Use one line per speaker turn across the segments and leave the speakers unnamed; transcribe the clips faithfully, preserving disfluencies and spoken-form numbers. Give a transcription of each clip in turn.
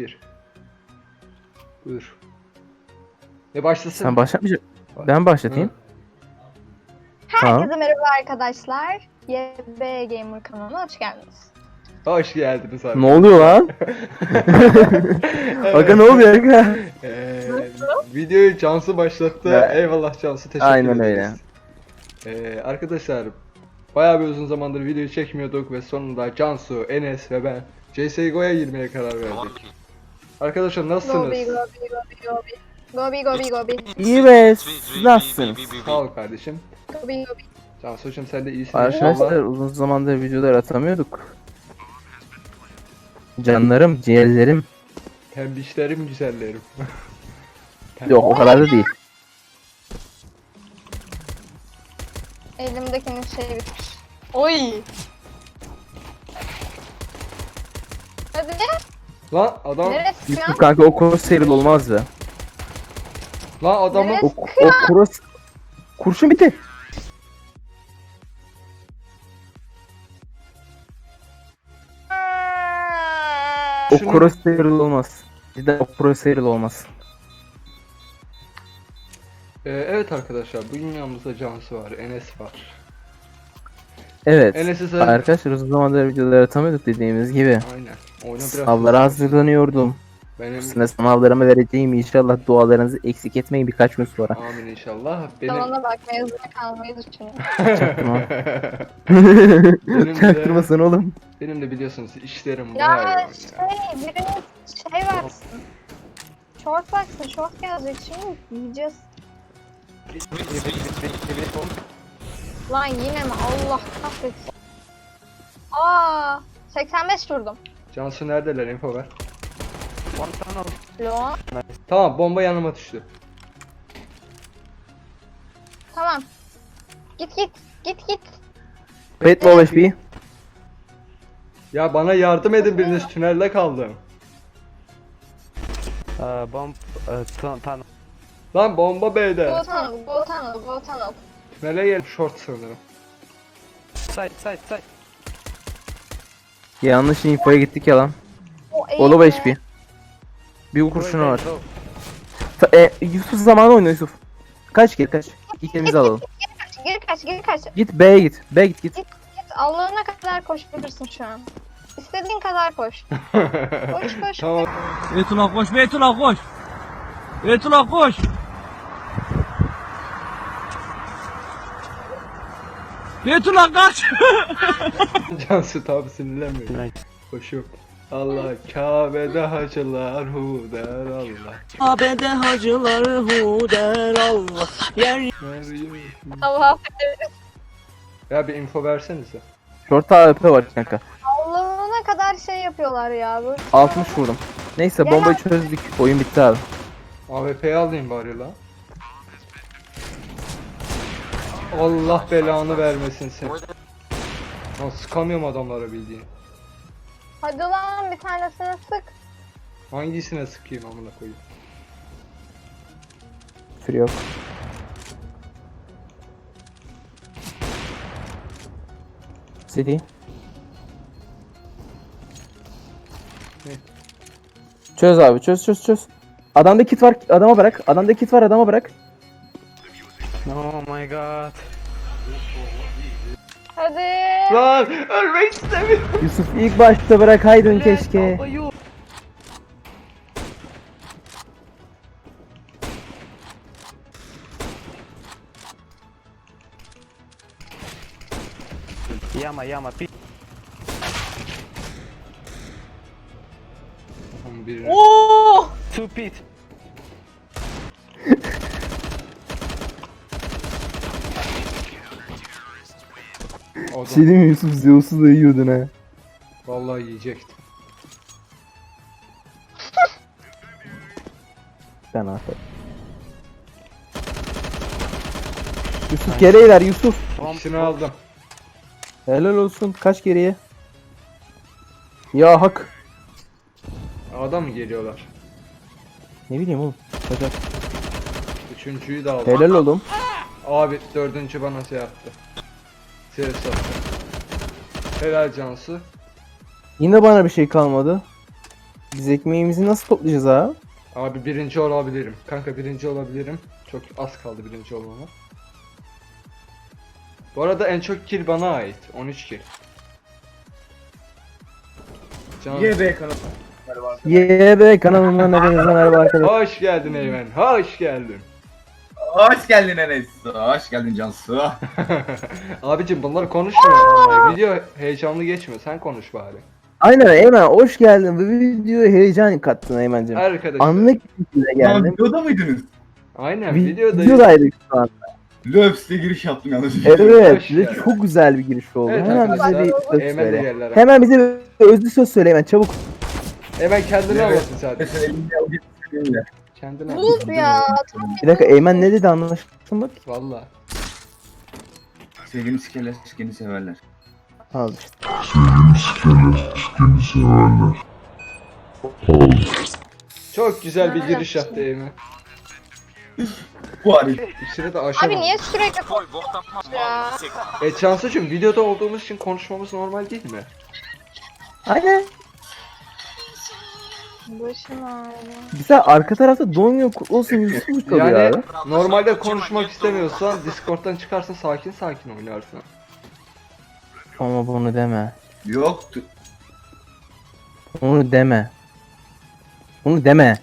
bir. Buyur. Ne başlasın?
Sen başlatmayacak. Ben başlatayım. Tamam.
Herkese merhaba arkadaşlar. Y B Gamer kanalına hoş geldiniz.
Hoş geldiniz abi.
Ne oluyor lan? Aga ne oluyor aga?
Ee, videoyu Cansu başlattı.
Ya.
Eyvallah Cansu, teşekkür
Aynen
ederiz. Ee, arkadaşlar bayağı bir uzun zamandır video çekmiyorduk ve sonunda Cansu, Enes ve ben C S G O'ya girmeye karar verdik. Arkadaşlar nasılsınız?
Gobi gobi gobi gobi. Gobi gobi gobi.
İyi be, siz nasılsınız?
Sağ ol kardeşim.
Gobi gobi.
Cansu'cum sen de iyisin
Arkadaşlar
inşallah.
uzun zamandır videolar atamıyorduk. Canlarım, ciğerlerim.
Pembişlerim, güzellerim.
Yok o kadar da değil.
Elimdekinin şey bitmiş. Oy. Hadi.
Lan adam,
Neresi
Yusuf
ya?
kanka o cross seril olmaz be.
lan adamı
Neresi?
O, o cross... Kurşun bitti. O
Şunu-
cross seril olmaz. Cidden o cross seril olmaz.
Ee, evet arkadaşlar, bugün yanımızda Cansu var, Enes var.
Evet.
Enes'i sen...
Arkadaşlar uzun zamandır videolar atamıyorduk dediğimiz gibi.
Aynen. Oyuna biraz...
Sınavlara hazırlanıyordum.
Benim...
Üstüne sınavlarımı vereceğim, inşallah dualarınızı eksik etmeyin birkaç gün sonra.
Amin inşallah. Benim...
Salona bak mezuna kalmayı düşünüyorum.
Çaktırma.
Benim de-
Çaktırmasın oğlum.
Benim de biliyorsunuz işlerim bayağı
Ya
yoğun ya.
şey biriniz şey baksın. Short baksın. Short gelecek şimdi yiyeceğiz. Lan yine mi? Allah kahretsin. Aa, seksen beş vurdum.
Cansu neredeler, info ver.
Lo.
Tamam, bomba yanıma düştü.
Tamam. Git git. Git git.
Wait low H P.
Ya bana yardım edin, biriniz tünelde kaldım.
Uh, bomb, uh, tun tunnel.
Lan bomba B'de.
Go tunnel. Go tunnel. Go tunnel.
Tünele gel, short sanırım.
Side, side, side.
Yanlış infoya gittik ya lan.
O
O low
eğilme.
H P. Bir kurşunu var.
Go.
Ta- E, Yusuf zamanı oynuyor Yusuf. Kaç gel kaç. İkimizi alalım.
Geri kaç. Geri kaç.
Git B'ye git. B'ye git git.
Git Allah'ına kadar koşabilirsin şu an. İstediğin kadar koş. Koş koş.
Tamam.
Beytullah koş, Beytullah koş. Beytullah koş. Beytullah kaç.
Cansu tabi sinirlenmiyor.
Nice.
Koşuyor. Allah Kabe'de hacılar hu der Allah.
Kabe'de hacıları hu der Allah. Yer
Meryem.
Allah affedersin.
Ya bir info versenize.
Short A W P var kanka.
Allah'ına kadar şey yapıyorlar ya. Bu.
altmış vurdum. Neyse
Gel
bombayı
abi.
çözdük. Oyun bitti abi.
A W P'yi alayım bari lan. Allah belanı vermesin sen. Lan sıkamıyorum adamlara bildiğin.
Hadi lan bir tanesini sık.
Hangisine sıkayım amına koyayım.
Küfür yok. City.
Ne?
Çöz abi çöz çöz çöz. Adamda kit var, adama bırak. Adamda kit var, adama bırak.
Oh my god.
Hadi.
Lan ölmek istemiyorum.
Yusuf ilk başta bırakaydın keşke.
Yama, yama, pit.
Tamam, birini-
Oo!
Two pit.
Adam,
Şey değil mi Yusuf, Zeus'u da yiyordun ha.
vallahi yiyecektim.
Ben aferin. Yusuf geri iler Yusuf.
Bomb.
İkisini aldım.
Helal olsun. Kaç geriye? Ya hak.
Adam mı geliyorlar?
Ne bileyim oğlum. Kaçak.
Üçüncüyü de aldım.
Helal oğlum.
Abi dördüncü bana şey yaptı. Ses attı. Helal Cansu.
Yine bana bir şey kalmadı. Biz ekmeğimizi nasıl toplayacağız abi?
Abi birinci olabilirim. Kanka birinci olabilirim. Çok az kaldı birinci olmama. Bu arada en çok kill bana ait. on üç kill. Can...
Y B kanalı.
Y B kanalından hepinize merhaba arkadaşlar.
Hoş geldin Eymen. Hoş geldin.
Hoş geldin Enes. Hoş geldin Cansu.
Abicim bunlar konuşmuyor. Video heyecanlı geçmiyor. Sen konuş bari.
Aynen Eymen hoş geldin. Bu videoya heyecan kattın Eymen'cim.
Arkadaşlar.
Anlık bir şekilde
Lan
geldim.
videoda mıydınız?
Aynen
Vi-
videodayız.
Videodaydık şu an.
Löps'te giriş yaptım yalnız.
Evet
Hoş
ve
geldin.
çok güzel bir giriş oldu.
Evet
Hemen bize
arkadaşlar.
bir söz
Eymen de
söyle.
geldi aramıza.
Hemen bize bir özlü söz söyle Eymen çabuk.
Eymen kendini
Evet.
anlatın zaten.
Mesela elimde alayım, elimle.
Kendini anlat.
Buz ya. Tam
Bir dakika Eymen ne dedi anlaşılsın bak.
Valla.
Sevgili sikerler, sikeni severler.
Al işte.
Çok güzel bir giriş yaptı Eymen.
Bu Arif.
İçine de aşağı.
Abi niye sürekli konuşuyorsun ya?
E Cansu'cum videoda olduğumuz için konuşmamız normal değil mi?
Aynen.
Başım ağrıyor.
Güzel arka tarafta Donyo kutlu olsun Yusuf kalıyor
Yani
abi.
normalde konuşmak istemiyorsan Discord'dan çıkarsın sakin sakin oynarsın.
Ama bunu deme.
Yoktu.
Bunu deme. Bunu deme.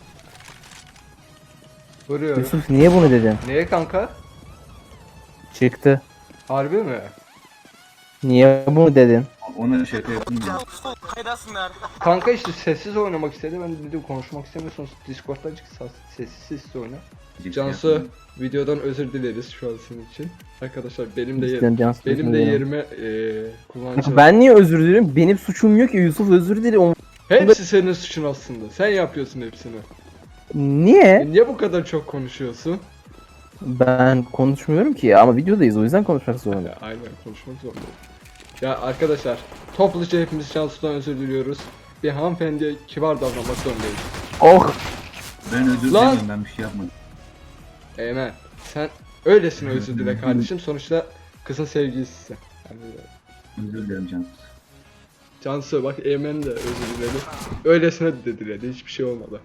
Vuruyorum.
Yusuf niye bunu dedin?
Neye kanka?
Çıktı.
Harbi mi?
Niye bunu dedin?
Ona şaka yapayım ya.
Kanka işte sessiz oynamak istedi. Ben de dedim konuşmak istemiyorsanız Discord'dan çık sa- sessiz sessiz oyna. Cansu videodan özür dileriz şu an senin için. Arkadaşlar benim de
İstedim
yerim,
Cansu,
benim
özür
de
dilerim.
yerime eee kullanacağım.
Ben niye özür dilerim? Benim suçum yok ki Yusuf özür dilerim.
Hepsi senin suçun aslında. Sen yapıyorsun hepsini.
Niye?
E niye bu kadar çok konuşuyorsun?
Ben konuşmuyorum ki ama videodayız o yüzden konuşmak zorundayım.
Ya, aynen konuşmak zorundayım. Ya arkadaşlar topluca hepimiz Cansu'dan özür diliyoruz. Bir hanımefendiye kibar davranmak zorundayız.
Oh!
Ben özür
Lan!
dilerim, ben bir şey yapmadım.
Eymen sen öylesine özür dile kardeşim. Sonuçta kızın sevgilisisin. Yani,
Özür dilerim Cansu.
Cansu bak Eymen de özür diledi. Öylesine de diledi. Hiçbir şey olmadı.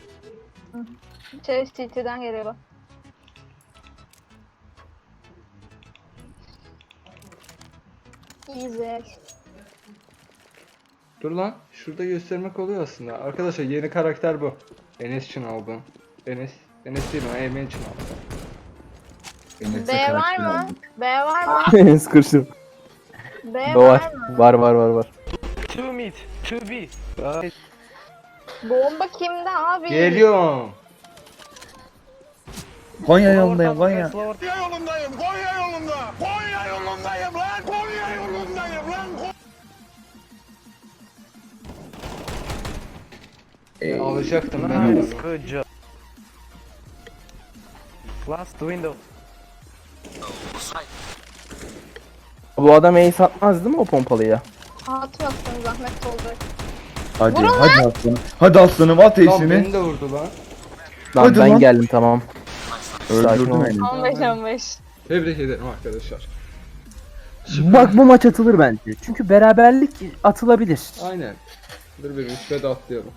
Şey C T'den geliyor. Güzel.
Dur lan. Şurada göstermek oluyor aslında. Arkadaşlar yeni karakter bu. Enes için aldım. Enes. Enes değil o. Eymen için aldım.
Enes'e
B var
karakter
mı?
aldım.
B var mı?
Enes kırışım.
B
Var.
var mı?
Var var var var.
Two mid, two B. Uh,
Bomba kimde abi?
Geliyorum.
Konya
lower
yolundayım,
tunnel,
Konya.
guys, lower
yolundayım, Konya yolunda. Konya yolundayım lan, Konya yolundayım lan.
Ya, alacaktım ben
tunnel.
onu.
Nice, good job. Last window.
Bu adam ace atmaz değil mi o pompalıya?
Atmasın zahmet olacak.
Hadi,
Vurun
hadi aslanım. Hadi aslanım, at
Lan
eşini.
beni de vurdu lan.
Lan
Hadi
ben
lan.
geldim tamam. Sakin
Öldürdün
ol.
beni.
on beş on beş.
Tebrik ederim arkadaşlar.
Bak bu maç atılır bence. Çünkü beraberlik atılabilir.
Aynen. Dur bir rütbe de atlayalım.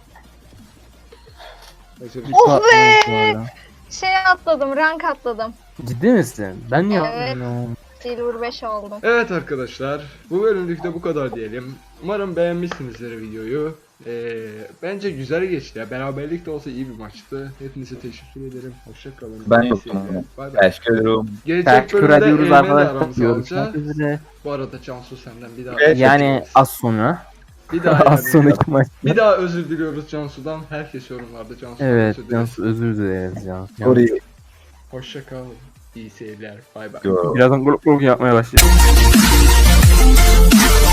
Özür dilerim.
Oh be!
Bu arada.
Şey atladım, rank atladım.
Ciddi misin? Ben niye
Evet.
atlamıyorum?
Silver beş oldum.
Evet arkadaşlar, bu bölümlükte bu kadar diyelim. Umarım beğenmişsinizdir videoyu. Ee, bence güzel geçti ya. Beraberlik de olsa iyi bir maçtı. Hepinize teşekkür ederim. Hoşça kalın.
Ben
İyi
çok
seyirler.
memnunum.
Bay bay.
Teşekkür ederim.
Gelecek
Teşekkür
bölümde
ediyoruz
Eymen'le
arkadaşlar.
aramızı
Görüşmek
alacağız.
üzere.
Bu arada Cansu senden bir daha
Evet.
Yani az sonra.
bir daha
Az
yani-
sonraki maç.
bir daha özür diliyoruz Cansu'dan. Herkes yorumlarda Cansu'dan
Evet,
özür dileriz.
Cansu özür dileriz ya.
Orayı
Hoşça kalın. İyi seyirler. Bay bay.
gör.
Birazdan grup grup yapmaya başlayacağız.